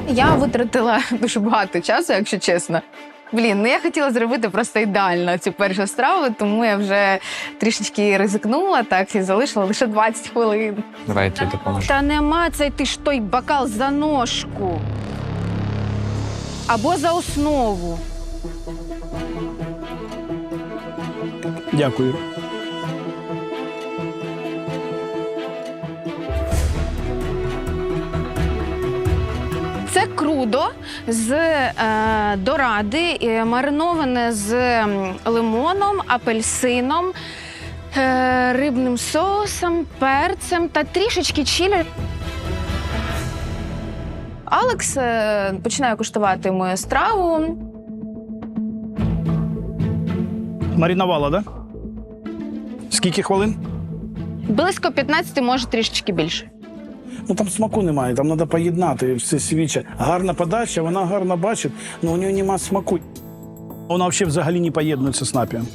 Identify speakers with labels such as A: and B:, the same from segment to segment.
A: Я витратила дуже багато часу, якщо чесно. Блін, я хотіла зробити просто ідеально цю першу страву, тому я вже трішечки ризикнула, так, і залишила лише 20 хвилин.
B: Давай я тобі допоможу.
A: Та нема цей ти ж той бокал за ножку. Або за основу.
C: Дякую.
A: Це крудо з доради, мариноване з лимоном, апельсином, рибним соусом, перцем та трішечки чилі. Алекс починає куштувати мою страву.
C: Маринувала, да? Скільки хвилин?
A: Близько 15, може трішечки більше.
C: Ну там смаку немає, там треба поєднати все свіче. Гарна подача, вона гарно бачить, але у неї немає смаку. Вона взагалі не поєднується з напієм.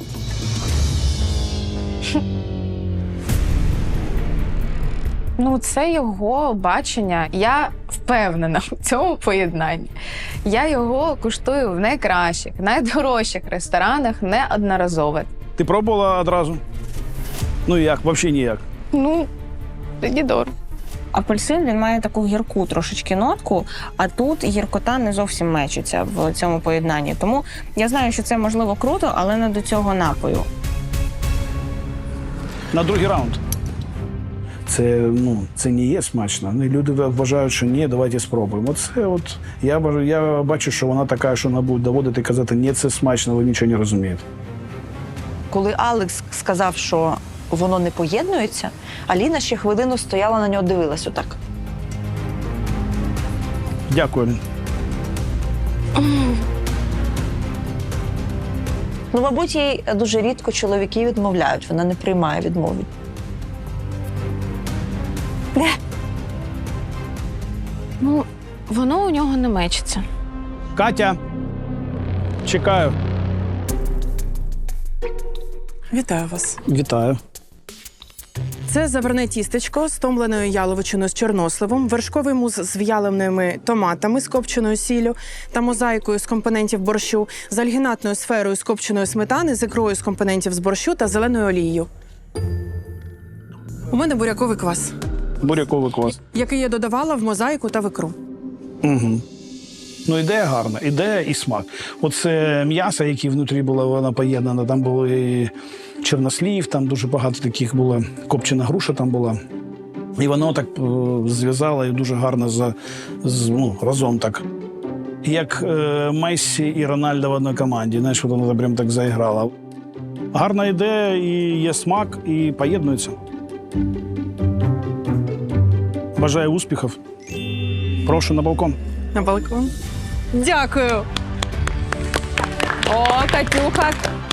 A: Ну, це його бачення. Я впевнена в цьому поєднанні. Я його куштую в найкращих, найдорожчих ресторанах неодноразово.
C: Ти пробувала одразу? Ну як, взагалі ніяк.
A: Ну, тоді дорого.
D: Апельсин, він має таку гірку трошечки нотку, а тут гіркота не зовсім мечиться в цьому поєднанні. Тому я знаю, що це можливо круто, але не до цього напою.
C: На другий раунд. Це не є смачно. Люди вважають, що ні, давайте спробуємо. Я бачу, що вона така, що вона буде доводити і казати, ні, це смачно, ви нічого не розумієте.
E: Коли Алекс сказав, що воно не поєднується, Аліна ще хвилину стояла на нього, дивилась отак.
C: Дякую.
E: Ну, мабуть, їй дуже рідко чоловіки відмовляють, вона не приймає відмови.
A: Ну, воно у нього не мечиться.
C: Катя, чекаю.
F: Вітаю вас.
C: Вітаю.
F: Це заварне тістечко з томленою яловичиною з чорносливом, вершковий мус з в'яленими томатами з копченою сіллю та мозаїкою з компонентів борщу, з альгінатною сферою з копченої сметани, з ікрою з компонентів з борщу та зеленою олією. У мене буряковий квас,
C: Буряковий квас.
F: який я додавала в мозаїку та в ікру.
C: Угу. Ну, ідея гарна, ідея і смак. Оце м'ясо, яке внутрі було, воно поєднано. Там було і чорнослів, там дуже багато таких було, копчена груша там була. І воно так зв'язало і дуже гарно разом так. Як Мессі і Рональдо в одній команді. Знаєш, воно прям так заіграло. Гарна ідея, і є смак, і поєднується. Бажаю успіхів. Прошу на балкон.
F: На балкон. Дякую.
A: О, Катюха,